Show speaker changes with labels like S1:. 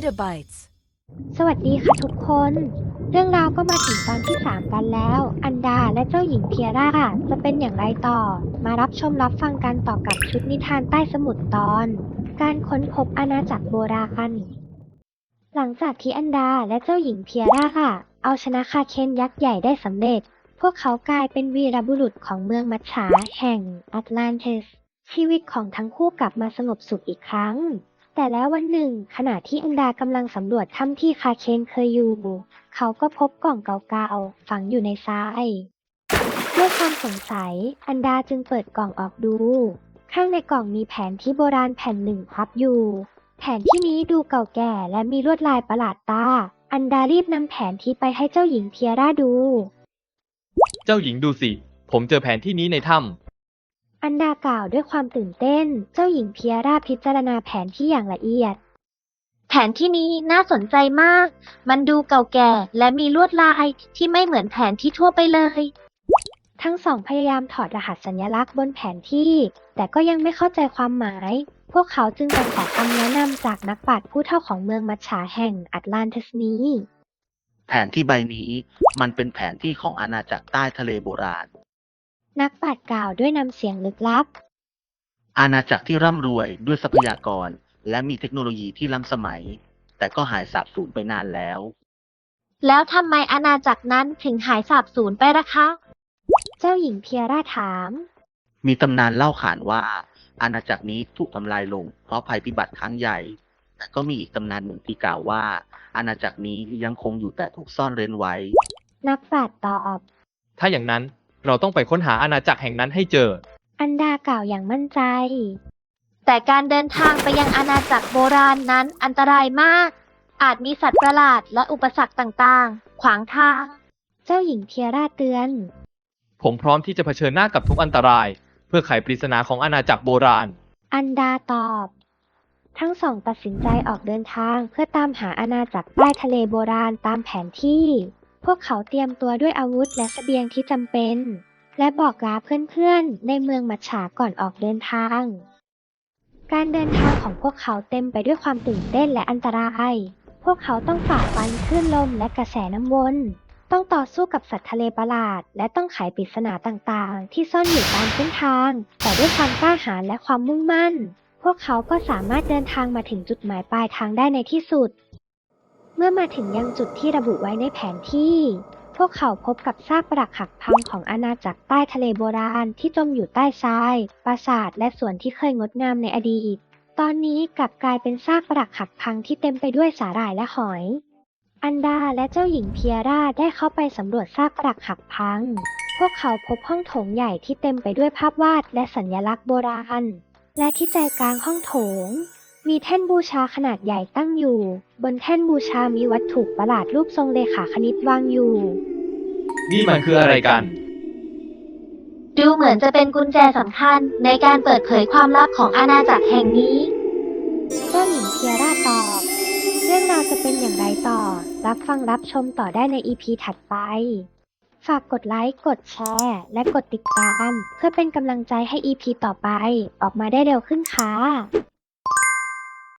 S1: Petabytes
S2: สวัสดีค่ะทุกคน เรื่องราวก็มาถึงตอนที่ 3 กันแล้ว อันดาและเจ้าหญิงเพียร่าจะเป็นอย่างไรต่อ มารับชมรับฟังกันต่อกับชุดนิทานใต้สมุทรตอน การค้นพบอาณาจักรโบราณ หลังจากที่อันดาและเจ้าหญิงเพียร่าเอาชนะคาเคนยักษ์ใหญ่ได้สำเร็จ พวกเขากลายเป็นวีรบุรุษของเมืองมัจฉาแห่งแอตแลนติส ชีวิตของทั้งคู่กลับมาสงบสุขอีกครั้ง แต่แล้ววันหนึ่งขณะที่อันดากำลังสำรวจถ้ำที่คาเคนเคยอยู่ เขาก็พบกล่องเก่าๆฝังอยู่ในทราย ด้วยความสงสัย อันดาจึงเปิดกล่องออกดู ข้างในกล่องมีแผนที่โบราณแผ่นหนึ่งพับอยู่ แผนที่นี้ดูเก่าแก่และมีลวดลายประหลาดตา อันดารีบนำแผนที่ไปให้เจ้าหญิงเพียร่าดู
S3: เจ้าหญิงดูสิ ผมเจอแผนที่นี้ในถ้ำ
S2: อันดากล่าวด้วยความตื่นเต้น เจ้าหญิงเพียร่าพิจารณาแผนที่อย่างละเอียด
S4: แผนที่นี้น่าสนใจมาก มันดูเก่าแก่และมีลวดลายที่ไม่เหมือนแผนที่ทั่วไปเลย
S2: ทั้งสองพยายามถอดรหัสสัญลักษณ์บนแผนที่ แต่ก็ยังไม่เข้าใจความหมาย พวกเขาจึงไปขอคำแนะนำจากนักปราชญ์ผู้เฒ่าของเมืองมัจฉาแห่งแอตแลนติสนี้
S5: แผนที่ใบนี้มันเป็นแผนที่ของอาณาจักรใต้ทะเลโบราณ
S2: นักปราชญ์กล่าวด้วยน้ำเสียงลึกลับ
S5: อาณาจักรที่ร่ำรวยด้วยทรัพยากรและมีเทคโนโลยีที่ล้ำสมัย แต่ก็หายสาบสูญไปนานแล้ว
S4: แล้วทำไมอาณาจักรนั้นถึงหายสาบสูญไปล่ะคะ
S2: เจ้าหญิงเพียร่าถาม
S5: มีตำนานเล่าขานว่า อาณาจักรนี้ถูกทำลายลงเพราะภัยพิบัติครั้งใหญ่ แต่ก็มีอีกตำนานหนึ่งที่กล่าวว่า อาณาจักรนี้ยังคงอยู่แต่ถูกซ่อนเร้นไว้
S2: นักปราชญ์ตอบ
S3: ถ้าอย่างนั้นเราต้องไปค้นหาอาณาจักรแห่งนั้นให้เจอ
S2: อันดากล่าวอย่างมั่นใจ
S4: แต่การเดินทางไปยังอาณาจักรโบราณนั้นอันตรายมาก อาจมีสัตว์ประหลาดและอุปสรรคต่างๆ ขวางทาง
S2: เจ้าหญิงเพียร่าเตือน
S3: ผมพร้อมที่จะเผชิญหน้ากับทุกอันตราย เพื่อไขปริศนาของอาณาจักรโบราณ
S2: อันดาตอบ ทั้งสองตัดสินใจออกเดินทางเพื่อตามหาอาณาจักรใต้ทะเลโบราณตามแผนที่ พวกเขาเตรียมตัวด้วยอาวุธและเสบียงที่จำเป็น และบอกลาเพื่อนๆในเมืองมัจฉาก่อนออกเดินทาง การเดินทางของพวกเขาเต็มไปด้วยความตื่นเต้นและอันตราย พวกเขาต้องฝ่าฟันคลื่นลมและกระแสน้ำวน ต้องต่อสู้กับสัตว์ทะเลประหลาด และต้องไขปริศนาต่างๆ ที่ซ่อนอยู่ตามเส้นทาง แต่ด้วยความกล้าหาญและความมุ่งมั่น พวกเขาก็สามารถเดินทางมาถึงจุดหมายปลายทางได้ในที่สุด เมื่อมาถึงยังจุดที่ระบุไว้ในแผนที่ พวกเขาพบกับซากปรักหักพังของอาณาจักรใต้ทะเลโบราณที่จมอยู่ใต้ทราย ปราสาทและสวนที่เคยงดงามในอดีต ตอนนี้กลับกลายเป็นซากปรักหักพังที่เต็มไปด้วยสาหร่ายและหอย อันดาและเจ้าหญิงเพียร่าได้เข้าไปสำรวจซากปรักหักพัง พวกเขาพบห้องโถงใหญ่ที่เต็มไปด้วยภาพวาดและสัญลักษณ์โบราณ และที่ใจกลางห้องโถง มีแท่นบูชาขนาดใหญ่ตั้งอยู่ บนแท่นบูชามีวัตถุประหลาดรูปทรงเลขาคณิตวางอยู่
S3: นี่มันคืออะไรกัน
S4: ดูเหมือนจะเป็นกุญแจสำคัญในการเปิดเผยความลับของอาณาจักรแห่งนี้
S2: เจ้าหญิงเพียร่าตอบ เรื่องราวจะเป็นอย่างไรต่อ รับฟังรับชมต่อได้ใน EP ถัดไป ฝากกดไลค์ กดแชร์ และกดติดตาม เพื่อเป็นกำลังใจให้ EP ต่อไป ออกมาได้เร็วขึ้นค่ะ